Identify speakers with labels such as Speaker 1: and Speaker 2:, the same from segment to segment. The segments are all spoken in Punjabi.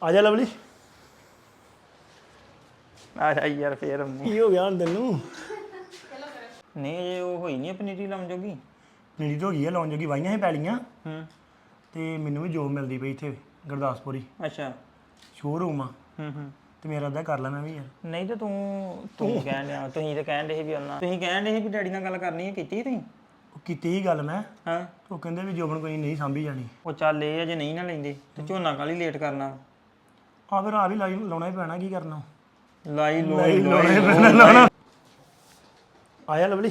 Speaker 1: ਆ ਜਾ ਲਵਲੀ।
Speaker 2: ਆ ਜਾ ਯਾਰ ਫੇਰ ਆਉਂਦੀ
Speaker 1: ਕੀ ਹੋ ਗਿਆ ਹੁਣ ਤੈਨੂੰ?
Speaker 2: ਨਹੀਂ ਇਹ ਉਹ ਹੋਈ ਨਹੀਂ ਪਨੀਰੀ ਲਾਉਣ ਜੋਗੀ।
Speaker 1: ਪਨੀਰੀ ਹੋ ਗਈ ਆ, ਲਾਉਣ ਜੋਗੀ ਵਾਹੀਆਂ ਸੀ ਪੈਲੀਆਂ
Speaker 2: ਹੂੰ
Speaker 1: ਤੇ ਮੈਨੂੰ ਵੀ ਜੋਬ ਮਿਲਦੀ ਪਈ ਇੱਥੇ ਗੁਰਦਾਸਪੁਰੀ
Speaker 2: ਅੱਛਾ
Speaker 1: ਸ਼ੋਰੂਮ ਆ
Speaker 2: ਹੂੰ
Speaker 1: ਤੇ ਮੇਰਾ ਅੱਧਾ ਕਰ ਲਾ ਮੈਂ ਵੀ ਯਾਰ।
Speaker 2: ਨਹੀਂ ਤੇ ਤੂੰ ਕਹਿਣ ਡਿਆ ਤੁਸੀਂ ਤੇ ਕਹਿਣ ਡੇ ਸੀ ਵੀ ਉਹਨਾਂ ਤੁਸੀਂ ਕਹਿਣ ਡੇ ਸੀ ਵੀ ਡੈਡੀ ਨਾਲ ਗੱਲ ਕਰਨੀ ਹੈ ਕੀਤੀ ਤੁਸੀਂ
Speaker 1: ਉਹ ਕੀਤੀ ਹੀ ਗੱਲ ਮੈਂ,
Speaker 2: ਹਾਂ
Speaker 1: ਉਹ ਕਹਿੰਦੇ ਵੀ ਜੋਬਨ ਕੋਈ ਨਹੀਂ ਸਾਂਭੀ ਜਾਣੀ।
Speaker 2: ਉਹ ਚੱਲ ਇਹ ਅਜੇ ਨਹੀਂ ਨਾ ਲੈਂਦੇ ਤੇ ਝੋਨਾ ਕਾਲੀ ਲੇਟ ਕਰਨਾ
Speaker 1: ਆ ਫਿਰ ਆ ਵੀ ਲਾਉਣਾ ਹੀ ਪੈਣਾ, ਕੀ ਕਰਨਾ।
Speaker 2: ਲਾਉਣਾ
Speaker 1: ਆਇਆ ਲਵਲੀ।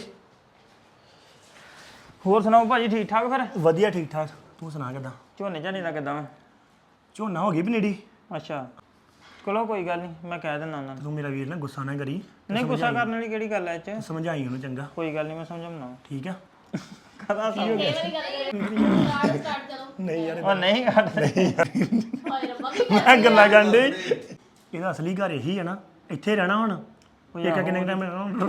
Speaker 2: ਹੋਰ ਸੁਣਾਓ ਭਾਜੀ ਠੀਕ ਠਾਕ ਫਿਰ
Speaker 1: ਵਧੀਆ ਠੀਕ ਠਾਕ, ਤੂੰ ਸੁਣਾ ਕਿੱਦਾਂ?
Speaker 2: ਝੋਨੇ ਝਾਨੇ ਦਾ ਕਿੱਦਾਂ ਵਾ
Speaker 1: ਝੋਨਾ ਹੋ ਗਈ ਪਨੀਰੀ।
Speaker 2: ਅੱਛਾ ਚਲੋ ਕੋਈ ਗੱਲ ਨਹੀਂ ਮੈਂ ਕਹਿ ਦਿੰਦਾ ਉਹਨਾਂ ਨੂੰ
Speaker 1: ਤੂੰ ਮੇਰਾ ਵੀਰ ਨਾ ਗੁੱਸਾ ਨਾ ਕਰੀ,
Speaker 2: ਨਹੀਂ ਗੁੱਸਾ ਕਰਨ ਵਾਲੀ ਕਿਹੜੀ ਗੱਲ ਐ ਇਹ ਚ
Speaker 1: ਸਮਝਾਈ ਉਹਨੂੰ ਚੰਗਾ,
Speaker 2: ਕੋਈ ਗੱਲ ਨਹੀਂ ਮੈਂ ਸਮਝਾਉਣਾ
Speaker 1: ਠੀਕ ਆ?
Speaker 2: ਕਦਾ ਸੀ ਹੋ ਗਿਆ
Speaker 1: ਨਹੀਂ ਯਾਰ
Speaker 2: ਉਹ ਨਹੀਂ ਘੱਟ
Speaker 1: ਮੈਂ ਗੱਲਾਂ ਕਰਨ ਦੇ। ਇਹਦਾ ਅਸਲੀ ਘਰ ਇਹੀ ਹੈ ਨਾ, ਇੱਥੇ ਰਹਿਣਾ ਹੁਣ। ਇੱਕ ਕਿੰਨੇ ਟਾਈਮ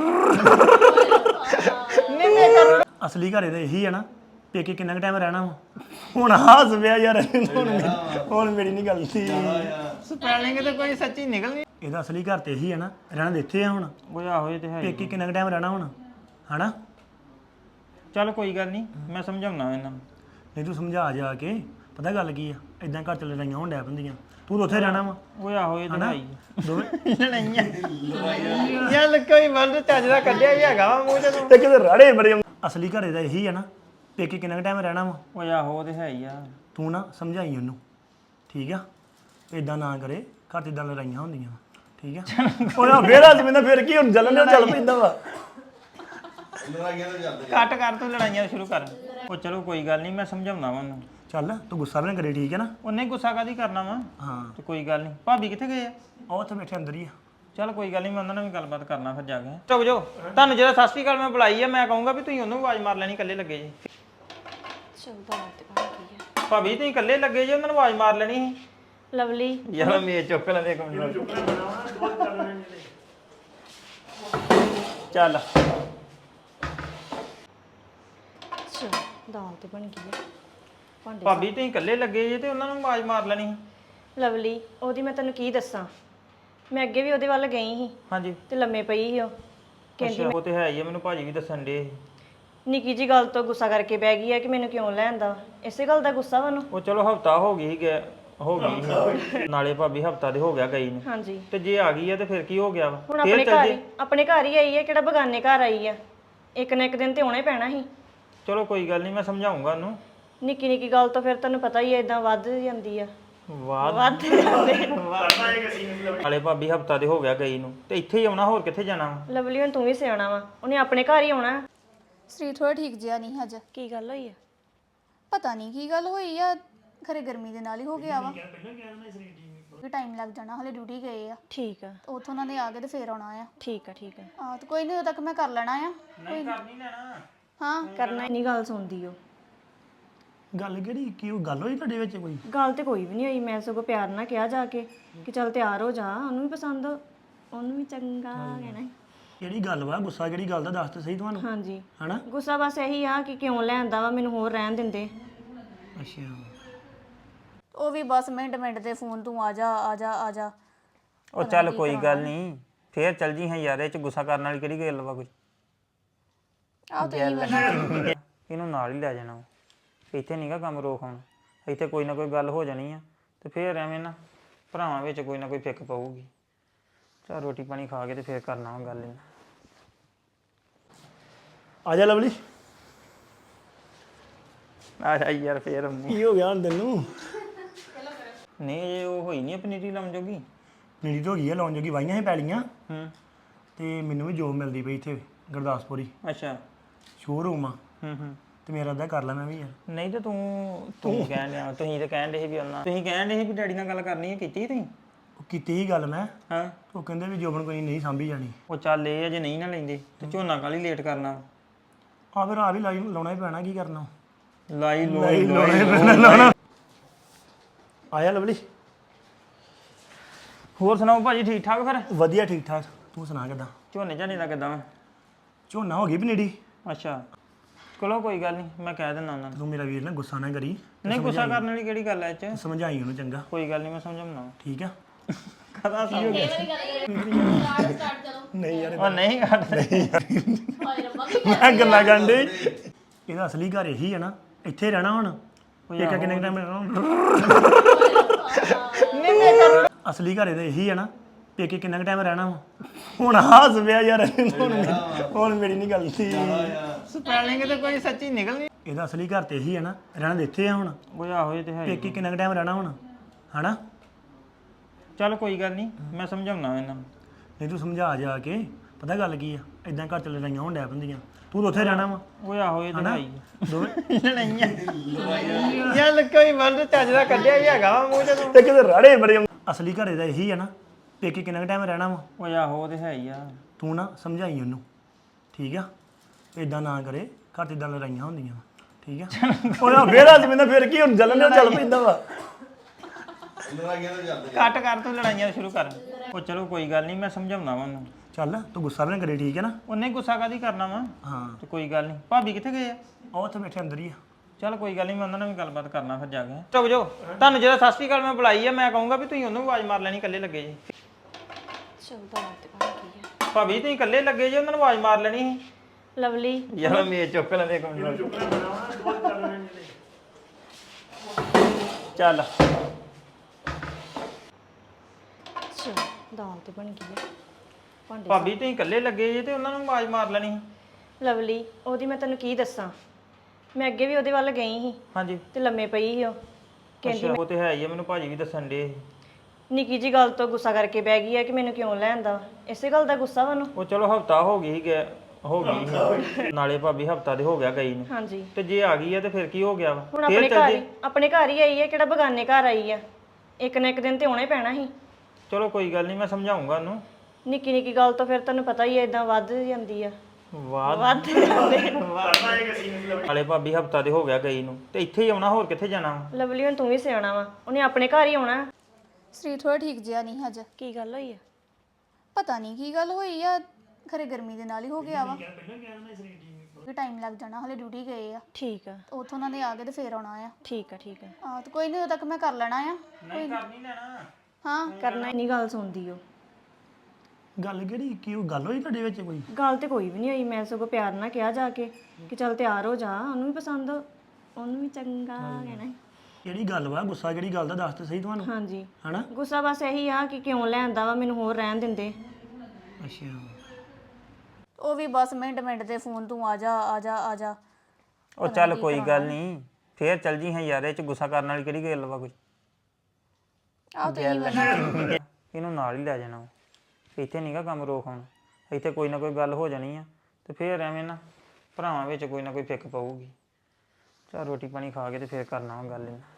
Speaker 1: ਅਸਲੀ ਘਰ ਇਹਦਾ ਇਹੀ ਹੈ ਨਾ, ਪੇਕੇ ਕਿੰਨਾ ਕੁ ਟਾਈਮ ਰਹਿਣਾ ਵਾ। ਹੁਣ ਹੱਸ ਪਿਆ ਯਾਰ, ਹੁਣ ਮੇਰੀ ਨਹੀਂ ਗੱਲ ਸੀ।
Speaker 2: ਸਪੈਲਿੰਗ ਤੇ ਕੋਈ ਸੱਚੀ ਨਿਕਲ ਨਹੀਂ
Speaker 1: ਇਹਦਾ ਅਸਲੀ ਘਰ ਤੇ ਇਹੀ ਹੈ ਨਾ, ਰਹਿਣਾ ਤੇ ਇੱਥੇ ਆ ਹੁਣ।
Speaker 2: ਉਹ ਆਹੋ ਇਹ ਤੇ ਹੈ
Speaker 1: ਪੇਕੇ ਕਿੰਨਾ ਕੁ ਟਾਈਮ ਰਹਿਣਾ ਹੁਣ, ਹਨਾ?
Speaker 2: ਚੱਲ ਕੋਈ ਗੱਲ ਨਹੀਂ ਮੈਂ ਸਮਝਾਉਣਾ ਇਹਨਾਂ ਨੂੰ
Speaker 1: ਨਹੀਂ ਤੂੰ ਸਮਝਾ ਜਾ ਕੇ, ਪਤਾ ਗੱਲ ਕੀ ਆ, ਇਦਾਂ ਘਰ ਚ ਲੜਾਈਆਂ ਹੋਣ ਡੈ ਪੈਂਦੀਆਂ। ਤੂੰ ਤਾਂ ਉੱਥੇ ਰਹਿਣਾ ਵਾ
Speaker 2: ਉਹ ਆਹੋ ਇਹ ਤੇ ਹੈ ਹੀ
Speaker 1: ਦੋਵੇਂ।
Speaker 2: ਲੜਾਈਆਂ ਯਾਰ ਕੋਈ ਵਰਡ ਚੱਜ ਦਾ ਕੱਢਿਆ ਵੀ ਹੈਗਾ ਵਾ ਮੂੰਹ ਚੋਂ
Speaker 1: ਤੇ ਕਿਤੇ ਰਾੜੇ ਬੜੇ। ਅਸਲੀ ਘਰ ਇਹਦਾ ਇਹੀ ਹੈ ਨਾ, ਪੇਕੇ ਕਿੰਨਾ ਕੁ ਟਾਈਮ ਰਹਿਣਾ ਵਾ।
Speaker 2: ਉਹ ਆਹੋ ਤੇ ਹੈ ਹੀ ਆ
Speaker 1: ਤੂੰ ਨਾ ਸਮਝਾਈ ਉਹਨੂੰ, ਠੀਕ ਆ? ਇਦਾਂ ਨਾ ਕਰੇ, ਘਰ 'ਚ ਇਦਾਂ ਲੜਾਈਆਂ ਹੁੰਦੀਆਂ ਵਾ, ਠੀਕ ਆ? ਉਹ ਫੇਰ ਅੱਜ ਮੈਨੂੰ ਫਿਰ ਕੀ ਹੁਣ ਜਲਨ ਚੱਲ ਪੈਂਦਾ ਵਾ।
Speaker 2: ਕੱਟ ਕਰ ਤੂੰ ਲੜਾਈਆਂ ਸ਼ੁਰੂ ਕਰ ਉਹ ਚਲੋ ਕੋਈ ਗੱਲ ਨਹੀਂ ਮੈਂ ਸਮਝਾਉਣਾ ਵਾ ਉਹਨੂੰ
Speaker 1: ਚੱਲ ਤੂੰ ਗੁੱਸਾ ਵੀ ਨਾ ਕਰੇ, ਠੀਕ ਹੈ ਨਾ?
Speaker 2: ਉਹਨੇ ਗੁੱਸਾ ਕਾਦੀ ਕਰਨਾ ਵਾ
Speaker 1: ਹਾਂ
Speaker 2: ਤੇ ਕੋਈ ਗੱਲ ਨਹੀਂ ਭਾਬੀ ਕਿੱਥੇ ਗਏ ਆ
Speaker 1: ਉਹ ਉੱਥੇ ਬੈਠੇ ਅੰਦਰ ਹੀ ਆ।
Speaker 2: ਚੱਲ ਕੋਈ ਗੱਲ ਨਹੀਂ ਮੈਂ ਉਹਨਾਂ ਨਾਲ ਵੀ ਗੱਲਬਾਤ ਕਰਨਾ ਫਿਰ ਜਾ ਕੇ ਚੁੱਪ ਜਾਓ ਤੁਹਾਨੂੰ ਜਿਹੜਾ ਸਤਿ ਸ਼੍ਰੀ ਅਕਾਲ ਮੈਂ ਬੁਲਾਈ ਆ ਮੈਂ ਕਹੂੰਗਾ ਵੀ ਤੁਸੀਂ ਉਹਨੂੰ ਆਵਾਜ਼ ਮਾਰ ਲੈਣੀ ਇਕੱਲੇ ਲੱਗੇ ਜੀ
Speaker 3: ਚਲਦਾ ਤੇ ਬਣ ਗਈ ਆ।
Speaker 2: ਭਾਬੀ ਤੁਸੀਂ ਇਕੱਲੇ ਲੱਗੇ ਜੀ ਉਹਨਾਂ ਨੂੰ ਆਵਾਜ਼ ਮਾਰ ਲੈਣੀ ਸੀ
Speaker 3: ਲਵਲੀ
Speaker 2: ਯਾਰ ਮੇਜ਼ ਚੁੱਕ ਲੈਂਦੇ ਇੱਕ ਮਿੰਟ ਚੱਲ
Speaker 3: ਚਲ ਦਾਲ ਤੇ ਬਣ ਗਈ ਆ। ਭਾਂਡੇ
Speaker 2: ਭਾਬੀ ਤੁਸੀਂ ਇਕੱਲੇ ਲੱਗੇ ਜੀ ਤੇ ਉਹਨਾਂ ਨੂੰ ਆਵਾਜ਼ ਮਾਰ ਲੈਣੀ ਸੀ
Speaker 3: ਲਵਲੀ ਉਹਦੀ ਮੈਂ ਤੈਨੂੰ ਕੀ ਦੱਸਾਂ, ਮੈਂ ਅੱਗੇ ਵੀ ਉਹਦੇ ਵੱਲ ਗਈ ਸੀ
Speaker 2: ਹਾਂਜੀ
Speaker 3: ਤੇ ਲੰਮੇ ਪਈ ਸੀ ਉਹ। ਕਹਿੰਦੀ
Speaker 2: ਅੱਛਾ ਉਹ ਤੇ ਹੈ ਹੀ ਆ ਮੈਨੂੰ ਭਾਜੀ ਵੀ ਦੱਸਣ ਦੇ
Speaker 3: ਨਿੱਕੀ ਜੀ ਗੱਲ ਤੋਂ ਗੁੱਸਾ ਕਰਕੇ ਬਹਿ ਗਈ ਆ ਕਿ ਮੈਨੂੰ ਕਿਉਂ ਲੈਂਦਾ, ਇਸੇ ਗੱਲ ਦਾ ਗੁੱਸਾ ਵਾ ਉਹਨੂੰ।
Speaker 2: ਉਹ ਚਲੋ ਹਫਤਾ ਹੋ ਗਈ ਗਿਆ ਹੋ ਗਈ ਸੀ। ਨਾਲੇ ਭਾਬੀ ਹਫਤਾ ਦੇ ਹੋ ਗਿਆ ਗਈ ਨੂੰ
Speaker 3: ਹਾਂਜੀ
Speaker 2: ਤੇ ਜੇ ਆ ਗਈ ਆ ਤੇ ਫਿਰ ਕੀ ਹੋ ਗਿਆ ਵਾ
Speaker 3: ਹੁਣ ਆਪਣੇ ਘਰ ਹੀ ਆਈ ਆ, ਕਿਹੜਾ ਬਗਾਨੇ ਘਰ ਆਈ ਆ। ਇੱਕ ਨਾ ਇੱਕ ਦਿਨ ਤੇ ਆਉਣਾ ਹੀ ਪੈਣਾ ਸੀ।
Speaker 2: ਚਲੋ ਕੋਈ ਗੱਲ ਨਹੀਂ ਮੈਂ ਸਮਝਾਉਂਗਾ ਉਹਨੂੰ
Speaker 3: ਨਿੱਕੀ ਨਿੱਕੀ ਗੱਲ ਤੋਂ ਫਿਰ ਤੈਨੂੰ ਪਤਾ ਹੀ ਆ ਇਦਾਂ ਵੱਧ ਜਾਂਦੀ ਆ।
Speaker 2: ਵਾਦ ਨਾਲੇ ਭਾਬੀ ਹਫਤਾ ਦੇ ਹੋ ਗਿਆ ਗਈ ਨੂੰ ਤੇ ਇੱਥੇ ਹੀ ਆਉਣਾ ਹੋਰ ਕਿੱਥੇ ਜਾਣਾ ਵਾ
Speaker 3: ਲਵਲੀ ਹੁਣ ਤੂੰ ਵੀ ਸਿਆਣਾ ਵਾ, ਉਹਨੇ ਆਪਣੇ ਘਰ ਹੀ ਆਉਣਾ।
Speaker 4: ਸਰੀਰ ਥੋੜਾ ਠੀਕ ਜਿਹਾ ਨਹੀਂ ਅੱਜ।
Speaker 3: ਕੀ ਗੱਲ ਹੋਈ ਆ?
Speaker 4: ਪਤਾ ਨਹੀਂ ਕੀ ਗੱਲ ਹੋਈ ਆ, ਖਰੇ ਗਰਮੀ ਦੇ ਨਾਲ ਹੀ ਹੋ ਗਿਆ ਵਾ। ਟਾਈਮ ਲੱਗ ਜਾਣਾ, ਹਲੇ ਡਿਊਟੀ ਗਏ ਆ।
Speaker 3: ਠੀਕ ਆ
Speaker 4: ਉੱਥੋਂ ਉਹਨਾਂ ਨੇ ਆ ਕੇ ਤੇ ਫੇਰ ਆਉਣਾ ਆ।
Speaker 3: ਠੀਕ ਆ ਠੀਕ ਆ
Speaker 4: ਆ ਤੇ ਕੋਈ ਨਹੀਂ, ਉਦੋਂ ਤੱਕ ਮੈਂ ਕਰ ਲੈਣਾ ਆ।
Speaker 2: ਨਹੀਂ ਕਰ ਨਹੀਂ ਲੈਣਾ
Speaker 4: ਹਾਂ
Speaker 3: ਕਰਨਾ ਨਹੀਂ ਗੱਲ ਸੁਣਦੀ ਉਹ।
Speaker 1: ਗੱਲ ਕਿਹੜੀ, ਕੀ ਉਹ ਗੱਲ ਹੋਈ ਤੁਹਾਡੇ ਵਿੱਚ ਕੋਈ?
Speaker 3: ਗੱਲ ਤੇ ਕੋਈ ਵੀ ਨਹੀਂ ਹੋਈ, ਮੈਂ ਸਗੋਂ ਪਿਆਰ ਨਾਲ ਕਿਹਾ ਜਾ ਕੇ ਕਿ ਚੱਲ ਤਿਆਰ ਹੋ ਜਾ, ਉਹਨੂੰ ਵੀ ਪਸੰਦ, ਉਹਨੂੰ ਵੀ ਚੰਗਾ ਕਹਿਣਾ।
Speaker 1: ਕਿਹੜੀ ਗੱਲ ਵਾ, ਗੁੱਸਾ ਕਿਹੜੀ ਗੱਲ ਦਾ ਦੱਸ ਤੇ ਸਹੀ ਤੁਹਾਨੂੰ,
Speaker 3: ਹਾਂਜੀ
Speaker 1: ਹਨਾ?
Speaker 3: ਗੁੱਸਾ ਬਸ ਇਹੀ ਆ ਕਿ ਕਿਉਂ ਲੈਂਦਾ ਵਾ, ਮੈਨੂੰ ਹੋਰ ਰਹਿਣ ਦਿੰਦੇ।
Speaker 1: ਅੱਛਾ
Speaker 4: ਉਹ ਵੀ ਬਸ ਮਿੰਟ ਮਿੰਟ ਦੇ ਫੋਨ, ਤੂੰ ਆ ਜਾ ਆ ਜਾ ਆ ਜਾ।
Speaker 2: ਉਹ ਚੱਲ ਕੋਈ ਗੱਲ ਨਹੀਂ ਫੇਰ ਚੱਲ ਜੀ ਹਾਂ ਯਾਰ ਇਹ ਚ ਗੁੱਸਾ ਕਰਨ ਵਾਲੀ ਕਿਹੜੀ ਗੱਲ ਵਾ ਕੋਈ
Speaker 4: ਆਹ ਤੇ
Speaker 2: ਇਹਨੂੰ ਨਾਲ ਹੀ ਲੈ ਜਾਣਾ ਇੱਥੇ ਨਹੀਂਗਾ ਕੰਮ ਰੋਕ ਹੁਣ ਇੱਥੇ ਕੋਈ ਨਾ ਕੋਈ ਗੱਲ ਹੋ ਜਾਣੀ ਆ ਤੇ ਫੇਰ ਐਵੇਂ ਨਾ ਭਰਾਵਾਂ ਵਿੱਚ ਕੋਈ ਨਾ ਕੋਈ ਫਿੱਕ ਪਊਗੀ ਚਾ ਰੋਟੀ ਪਾਣੀ ਖਾ ਕੇ ਤੇ ਫੇਰ ਕਰਨਾ ਵਾ ਗੱਲ ਇਹਨਾਂ
Speaker 1: ਆ ਜਾ ਲਵਲੀ।
Speaker 2: ਆ ਜਾ ਯਾਰ ਫੇਰ ਆਉਂਦੀ
Speaker 1: ਕੀ ਹੋ ਗਿਆ ਹੁਣ ਤੈਨੂੰ?
Speaker 2: ਨਹੀਂ ਇਹ ਉਹ ਹੋਈ ਨਹੀਂ ਪਨੀਰੀ ਲਾਉਣ ਜੋਗੀ
Speaker 1: ਪਨੀਰੀ ਹੋ ਗਈ ਆ, ਲਾਉਣ ਜੋਗੀ ਵਾਹੀਆਂ ਸੀ ਪੈਲੀਆਂ
Speaker 2: ਹੂੰ
Speaker 1: ਤੇ ਮੈਨੂੰ ਵੀ ਜੋਬ ਮਿਲਦੀ ਪਈ ਇੱਥੇ ਗੁਰਦਾਸਪੁਰੀ
Speaker 2: ਅੱਛਾ
Speaker 1: ਸ਼ੋਰੂਮ ਆ
Speaker 2: ਹੂੰ
Speaker 1: ਤੇ ਮੇਰਾ ਅੱਧਾ ਕਰ ਲਾ ਮੈਂ ਵੀ ਯਾਰ।
Speaker 2: ਨਹੀਂ ਤੇ ਤੂੰ ਕਹਿਣ ਡਿਆ ਤੁਸੀਂ ਤੇ ਕਹਿਣ ਡੇ ਸੀ ਵੀ ਉਹਨਾਂ ਤੁਸੀਂ ਕਹਿਣ ਡੇ ਸੀ ਵੀ ਡੈਡੀ ਨਾਲ ਗੱਲ ਕਰਨੀ ਹੈ ਕੀਤੀ ਤੁਸੀਂ
Speaker 1: ਉਹ ਕੀਤੀ ਹੀ ਗੱਲ ਮੈਂ,
Speaker 2: ਹਾਂ
Speaker 1: ਉਹ ਕਹਿੰਦੇ ਵੀ ਜੋਬਨ ਕੋਈ ਨਹੀਂ ਸਾਂਭੀ ਜਾਣੀ।
Speaker 2: ਉਹ ਚੱਲ ਇਹ ਅਜੇ ਨਹੀਂ ਨਾ ਲੈਂਦੇ ਤੇ ਝੋਨਾ ਕਾਲੀ ਲੇਟ ਕਰਨਾ
Speaker 1: ਆ ਫਿਰ ਆ ਵੀ ਲਾਉਣਾ ਹੀ ਪੈਣਾ, ਕੀ ਕਰਨਾ।
Speaker 2: ਲਾਈ
Speaker 1: ਆਇਆ ਲਵਲੀ।
Speaker 2: ਹੋਰ ਸੁਣਾਓ ਭਾਜੀ ਠੀਕ ਠਾਕ ਫਿਰ
Speaker 1: ਵਧੀਆ ਠੀਕ ਠਾਕ, ਤੂੰ ਸੁਣਾ ਕਿੱਦਾਂ?
Speaker 2: ਝੋਨੇ ਝਾਨੇ ਦਾ ਕਿੱਦਾਂ ਵਾ
Speaker 1: ਝੋਨਾ ਹੋ ਗਈ ਪਨੀਰੀ।
Speaker 2: ਅੱਛਾ ਚਲੋ ਕੋਈ ਗੱਲ ਨਹੀਂ ਮੈਂ ਕਹਿ ਦਿੰਦਾ ਉਹਨਾਂ ਨੂੰ।
Speaker 1: ਤੂੰ ਮੇਰਾ ਵੀਰ ਨਾ ਗੁੱਸਾ ਨਾ ਕਰੀ
Speaker 2: ਨਹੀਂ ਗੁੱਸਾ ਕਰਨ ਵਾਲੀ ਕਿਹੜੀ ਗੱਲ ਐ ਇਹ ਚ?
Speaker 1: ਸਮਝਾਈ ਉਹਨੂੰ ਚੰਗਾ
Speaker 2: ਕੋਈ ਗੱਲ ਨਹੀਂ ਮੈਂ ਸਮਝਾਉਣਾ।
Speaker 1: ਠੀਕ ਆ
Speaker 2: ਕਦਾ ਸਮਝ
Speaker 1: ਨਹੀਂ ਯਾਰ
Speaker 2: ਉਹ ਨਹੀਂ ਕਰਦੇ
Speaker 1: ਮੈਂ ਗੱਲਾਂ ਕਰਨ ਡਈ। ਇਹਦਾ ਅਸਲੀ ਘਰ ਇਹੀ ਹੈ ਨਾ, ਇੱਥੇ ਰਹਿਣਾ ਹੁਣ ਪੇਕੇ ਕਿੰਨੇ ਟਾਈਮ ਅਸਲੀ ਘਰ ਇਹਦਾ ਇਹੀ ਹੈ ਨਾ, ਪੇਕੇ ਕਿੰਨਾ ਟਾਈਮ ਰਹਿਣਾ ਵਾ। ਹੁਣ ਹੱਸ ਪਿਆ ਯਾਰ ਹੁਣ ਮੇਰੀ ਨਹੀਂ ਗੱਲ ਸੀ।
Speaker 2: ਸਪੈਲਿੰਗ ਤੇ ਕੋਈ ਸੱਚੀ ਨਿਕਲ ਨਹੀਂ।
Speaker 1: ਇਹਦਾ ਅਸਲੀ ਘਰ ਤੇ ਇਹੀ ਹੈ ਨਾ, ਰਹਿਣਾ ਤੇ ਇੱਥੇ ਆ ਹੁਣ।
Speaker 2: ਉਹ ਆਹੋ ਇਹ ਤੇ ਹੈ।
Speaker 1: ਪੇਕੇ ਕਿੰਨਾ ਟਾਈਮ ਰਹਿਣਾ ਹੁਣ ਹਨਾ।
Speaker 2: ਚੱਲ ਕੋਈ ਗੱਲ ਨਹੀਂ ਮੈਂ ਸਮਝਾਉਣਾ ਇਹਨਾਂ ਨੂੰ।
Speaker 1: ਨਹੀਂ ਤੂੰ ਸਮਝਾ ਜਾ ਕੇ, ਪਤਾ ਗੱਲ ਕੀ ਆ, ਇਦਾਂ ਘਰ ਚ ਲੜਾਈਆਂ ਹੋਣ ਡੈ ਪੈਂਦੀਆਂ। ਤੂੰ ਤਾਂ ਉੱਥੇ ਰਹਿਣਾ ਵਾ
Speaker 2: ਉਹ ਆਹੋ ਇਹ ਤੇ ਹੈ ਹੀ
Speaker 1: ਦੋਵੇਂ
Speaker 2: ਲੜਾਈਆਂ ਯਾਰ ਕੋਈ ਵਰਡ ਚੱਜ ਦਾ ਕੱਢਿਆ ਵੀ ਹੈਗਾ ਵਾ ਮੂੰਹ ਚੋਂ।
Speaker 1: ਤੇ ਕਿਤੇ ਰਾੜੇ ਬੜੇ ਅਸਲੀ ਘਰ ਇਹਦਾ ਇਹੀ ਹੈ ਨਾ, ਪੇਕੇ ਕਿੰਨਾ ਟਾਈਮ ਰਹਿਣਾ ਵਾ।
Speaker 2: ਉਹ ਆਹੋ ਉਹ ਤੇ ਹੈ ਹੀ ਆ।
Speaker 1: ਤੂੰ ਨਾ ਸਮਝਾਈ ਉਹਨੂੰ ਠੀਕ ਆ, ਇਦਾਂ ਨਾ ਕਰੇ, ਘਰ 'ਚ ਇਦਾਂ ਲੜਾਈਆਂ ਹੁੰਦੀਆਂ ਵਾ ਠੀਕ ਆ। ਉਹ ਫੇਰ ਅੱਜ ਮੈਨੂੰ ਫਿਰ ਕੀ ਹੁਣ ਚੱਲਣੇ ਚੱਲ ਪੈਂਦਾ ਵਾ।
Speaker 2: ਕੱਟ ਕਰ ਤੂੰ ਲੜਾਈਆਂ ਸ਼ੁਰੂ ਕਰ। ਉਹ ਚਲੋ ਕੋਈ ਗੱਲ ਨਹੀਂ ਮੈਂ ਸਮਝਾਉਣਾ ਵਾ ਉਹਨੂੰ।
Speaker 1: ਚੱਲ ਤੂੰ ਗੁੱਸਾ ਨਾ ਕਰੇ ਠੀਕ ਹੈ ਨਾ।
Speaker 2: ਉਹਨੇ ਗੁੱਸਾ ਕਾਦੀ ਕਰਨਾ ਵਾ।
Speaker 1: ਹਾਂ
Speaker 2: ਤੇ ਕੋਈ ਗੱਲ ਨਹੀਂ। ਭਾਬੀ ਕਿੱਥੇ ਗਏ ਆ?
Speaker 1: ਉਹ ਉੱਥੇ ਬੈਠੇ ਅੰਦਰ ਹੀ ਆ।
Speaker 2: ਚੱਲ ਕੋਈ ਗੱਲ ਨਹੀਂ ਮੈਂ ਉਹਨਾਂ ਨਾਲ ਵੀ ਗੱਲਬਾਤ ਕਰਨਾ ਫਿਰ ਜਾ ਕੇ। ਚੁੱਪ ਜਾਓ। ਤੁਹਾਨੂੰ ਜਿਹੜਾ ਸਤਿ ਸ਼੍ਰੀ ਅਕਾਲ ਮੈਂ ਬੁਲਾਈ ਆ, ਮੈਂ ਕਹੂੰਗਾ ਵੀ ਤੁਸੀਂ ਉਹਨੂੰ ਆਵਾਜ਼ ਮਾਰ ਲੈਣੀ, ਇਕੱਲੇ ਲੱਗੇ ਜੀ।
Speaker 3: ਚਲਦਾ ਤੇ ਬਣ ਗਈ ਆ।
Speaker 2: ਭਾਬੀ ਤੁਸੀਂ ਇਕੱਲੇ ਲੱਗੇ ਜੀ, ਉਹਨਾਂ ਨੂੰ ਆਵਾਜ਼ ਮਾਰ ਲੈਣੀ ਸੀ।
Speaker 3: ਲਵਲੀ
Speaker 2: ਯਾਰ ਮੇਜ਼ ਚੁੱਕ ਲੈਂਦੇ ਇੱਕ ਮਿੰਟ। ਚੱਲ
Speaker 3: ਚਲ ਦਾਲ ਤੇ ਬਣ ਗਈ ਆ। ਭਾਂਡੇ
Speaker 2: ਭਾਬੀ ਤੁਸੀਂ ਇਕੱਲੇ ਲੱਗੇ ਜੀ ਤੇ ਉਹਨਾਂ ਨੂੰ ਆਵਾਜ਼ ਮਾਰ ਲੈਣੀ ਸੀ।
Speaker 3: ਲਵਲੀ ਉਹਦੀ ਮੈਂ ਤੈਨੂੰ ਕੀ ਦੱਸਾਂ, ਮੈਂ ਅੱਗੇ ਵੀ ਉਹਦੇ ਵੱਲ ਗਈ ਸੀ
Speaker 2: ਹਾਂਜੀ
Speaker 3: ਤੇ ਲੰਮੇ ਪਈ ਸੀ ਉਹ।
Speaker 2: ਅੱਛਾ ਉਹ ਤੇ ਹੈ ਹੀ ਆ, ਮੈਨੂੰ ਭਾਜੀ ਵੀ ਦੱਸਣ ਦੇ।
Speaker 3: ਨਿੱਕੀ ਜੀ ਗੱਲ ਤੋਂ ਗੁੱਸਾ ਕਰਕੇ ਬਹਿ ਗਈ ਆ ਕਿ ਮੈਨੂੰ ਕਿਉਂ ਲੈਂਦਾ, ਇਸੇ ਗੱਲ ਦਾ ਗੁੱਸਾ ਉਹਨੂੰ।
Speaker 2: ਉਹ ਚਲੋ ਹਫਤਾ ਹੋ ਗਈ ਗਿਆ ਹੋ ਗਈ ਸੀ। ਨਾਲੇ ਭਾਬੀ ਹਫਤਾ ਦੇ ਹੋ ਗਿਆ ਗਈ ਨੂੰ,
Speaker 3: ਹਾਂਜੀ
Speaker 2: ਤੇ ਜੇ ਆ ਗਈ ਆ ਤੇ ਫਿਰ ਕੀ ਹੋ ਗਿਆ ਵਾ?
Speaker 3: ਹੁਣ ਆਪਣੇ ਘਰ ਹੀ ਆਈ ਹੈ, ਕਿਹੜਾ ਬਗਾਨੇ ਘਰ ਆਈ ਆ। ਇੱਕ ਨਾ ਇੱਕ ਦਿਨ ਤੇ ਆਉਣਾ ਹੀ ਪੈਣਾ ਸੀ।
Speaker 2: ਚਲੋ ਕੋਈ ਗੱਲ ਨਹੀਂ ਮੈਂ ਸਮਝਾਉਂਗਾ ਉਹਨੂੰ।
Speaker 3: ਨਿੱਕੀ ਨਿੱਕੀ ਗੱਲ ਤੋਂ ਫਿਰ ਤੈਨੂੰ ਪਤਾ ਹੀ ਹੈ ਇਦਾਂ ਵੱਧ ਜਾਂਦੀ ਆ।
Speaker 2: ਵਾਹ
Speaker 3: ਵੱਧ ਜਾਂਦੇ
Speaker 2: ਨਾਲੇ ਭਾਬੀ ਹਫਤਾ ਦੇ ਹੋ ਗਿਆ ਗਈ ਨੂੰ, ਤੇ ਇੱਥੇ ਹੀ ਆਉਣਾ, ਹੋਰ ਕਿੱਥੇ ਜਾਣਾ ਵਾ?
Speaker 3: ਲਵਲੀ ਹੁਣ ਤੂੰ ਵੀ ਸਿਆਣਾ ਵਾ, ਉਹਨੇ ਆਪਣੇ ਘਰ ਹੀ ਆਉਣਾ।
Speaker 4: ਸਰੀਰ ਥੋੜਾ ਠੀਕ ਜਿਹਾ ਨਹੀਂ ਹਜੇ।
Speaker 3: ਕੀ ਗੱਲ ਹੋਈ ਆ?
Speaker 4: ਪਤਾ ਨਹੀਂ ਕੀ ਗੱਲ ਹੋਈ ਆ, ਖਰੇ ਗਰਮੀ ਦੇ ਨਾਲ ਹੀ ਹੋ ਗਿਆ ਵਾ। ਟਾਈਮ ਲੱਗ ਜਾਣਾ, ਹਲੇ ਡਿਊਟੀ ਗਏ ਆ।
Speaker 3: ਠੀਕ ਆ
Speaker 4: ਉੱਥੋਂ ਉਹਨਾਂ ਨੇ ਆ ਕੇ ਤੇ ਫੇਰ ਆਉਣਾ ਆ।
Speaker 3: ਠੀਕ ਆ ਠੀਕ ਆ।
Speaker 4: ਹਾਂ ਤੇ ਕੋਈ ਨਹੀਂ, ਉਦੋਂ ਤੱਕ ਮੈਂ ਕਰ ਲੈਣਾ ਆ।
Speaker 2: ਨਹੀਂ ਕਰ ਨਹੀਂ ਲੈਣਾ।
Speaker 4: ਹਾਂ
Speaker 3: ਕਰਨਾ ਨਹੀਂ, ਗੱਲ ਸੁਣਦੀ ਉਹ।
Speaker 1: ਗੱਲ ਕਿਹੜੀ ਕੀ ਉਹ ਗੱਲ ਹੋਈ ਤੁਹਾਡੇ ਵਿੱਚ ਕੋਈ?
Speaker 3: ਗੱਲ ਤੇ ਕੋਈ ਵੀ ਨਹੀਂ ਹੋਈ, ਮੈਂ ਸਗੋਂ ਪਿਆਰ ਨਾਲ ਕਿਹਾ ਜਾ ਕੇ ਕਿ ਚੱਲ ਤਿਆਰ ਹੋ ਜਾ, ਉਹਨੂੰ ਵੀ ਪਸੰਦ, ਉਹਨੂੰ ਵੀ ਚੰਗਾ ਕਹਿਣਾ।
Speaker 1: ਕਿਹੜੀ ਗੱਲ ਵਾ, ਗੁੱਸਾ ਕਿਹੜੀ ਗੱਲ ਦਾ ਦੱਸ ਤੇ ਸਹੀ ਤੁਹਾਨੂੰ
Speaker 3: ਹਾਂਜੀ
Speaker 1: ਹਨਾ।
Speaker 3: ਗੁੱਸਾ ਬਸ ਇਹੀ ਆ ਕਿ ਕਿਉਂ ਲੈਂਦਾ ਵਾ, ਮੈਨੂੰ ਹੋਰ ਰਹਿਣ ਦਿੰਦੇ।
Speaker 1: ਅੱਛਾ
Speaker 4: ਉਹ ਵੀ ਬਸ ਮਿੰਟ ਮਿੰਟ ਦੇ ਫੋਨ ਤੂੰ ਆ ਜਾ ਆ ਜਾ ਆ ਜਾ।
Speaker 2: ਉਹ ਚੱਲ ਕੋਈ ਗੱਲ ਨਹੀਂ, ਫੇਰ ਚੱਲ ਜੀ ਹਾਂ ਯਾਰ, ਇਹ ਚ ਗੁੱਸਾ ਕਰਨ ਵਾਲੀ ਕਿਹੜੀ ਗੱਲ ਵਾ ਕੋਈ?
Speaker 4: ਆਹ ਤੇ ਹੀ
Speaker 2: ਇਹਨੂੰ ਨਾਲ ਹੀ ਲੈ ਜਾਣਾ ਵਾ। ਇੱਥੇ ਨਹੀਂਗਾ ਕੰਮ ਰੋਕ ਹੁਣ, ਇੱਥੇ ਕੋਈ ਨਾ ਕੋਈ ਗੱਲ ਹੋ ਜਾਣੀ ਆ ਤੇ ਫੇਰ ਐਵੇਂ ਨਾ ਭਰਾਵਾਂ ਵਿੱਚ ਕੋਈ ਨਾ ਕੋਈ ਫਿੱਕ ਪਊਗੀ। ਚਲ ਰੋਟੀ ਪਾਣੀ ਖਾ ਕੇ ਤੇ ਫੇਰ ਕਰਨਾ ਵਾ ਗੱਲ ਇਹਨਾਂ।